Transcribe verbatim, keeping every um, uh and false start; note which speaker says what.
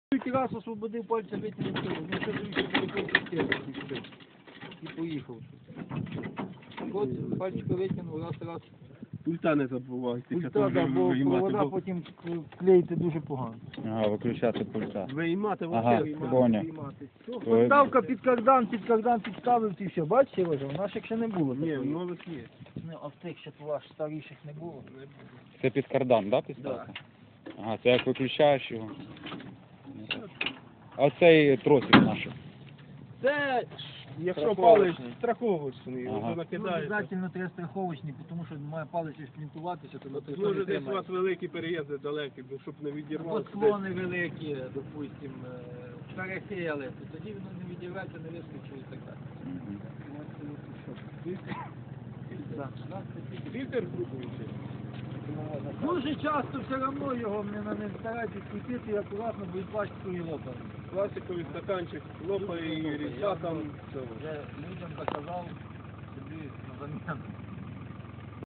Speaker 1: Тільки раз освободив пальця, витягнув цього. Ну, це вже перекрив і поїхав. От пальчика витягнув, раз, раз.
Speaker 2: Пульта не забувайте.
Speaker 1: Пульта, да, бо провода потім клеїти дуже погано.
Speaker 3: Ага, виключати пульта.
Speaker 2: Виймати
Speaker 3: Ага,
Speaker 2: вообще.
Speaker 3: поняв.
Speaker 1: Поставка під кардан, під кардан підставив і все. Бачите, Олеже, у наших ще не було.
Speaker 2: Ні,
Speaker 1: такої.
Speaker 2: нових є.
Speaker 1: Ну, а в тих ще ваш старіших не було.
Speaker 3: Це під кардан, да, підставка? Ага, це як виключаєш його. А цей тросик наш.
Speaker 1: Це
Speaker 2: Якщо палець страховочний,
Speaker 3: Ага.
Speaker 2: то
Speaker 1: ну,
Speaker 2: накидаєте.
Speaker 1: обов'язково треба страховочний, тому що має палець шплінтуватися, то то
Speaker 2: Може
Speaker 1: не
Speaker 2: десь у
Speaker 1: тримає.
Speaker 2: вас великі переїзди далекі, бо щоб не
Speaker 1: Або
Speaker 2: відірвалося.
Speaker 1: склони великі, допустим, перехили, то тоді воно не відірветься, не вискочить і так далі. Да, да, це
Speaker 2: Вітер крутуючий.
Speaker 1: дуже часто все одно його не, не старайтесь крутити і акуратно, бо і пластикові лопають.
Speaker 2: Пластиковий стаканчик лопає і різьба там.
Speaker 1: Вже людям доказав, собі на заміну.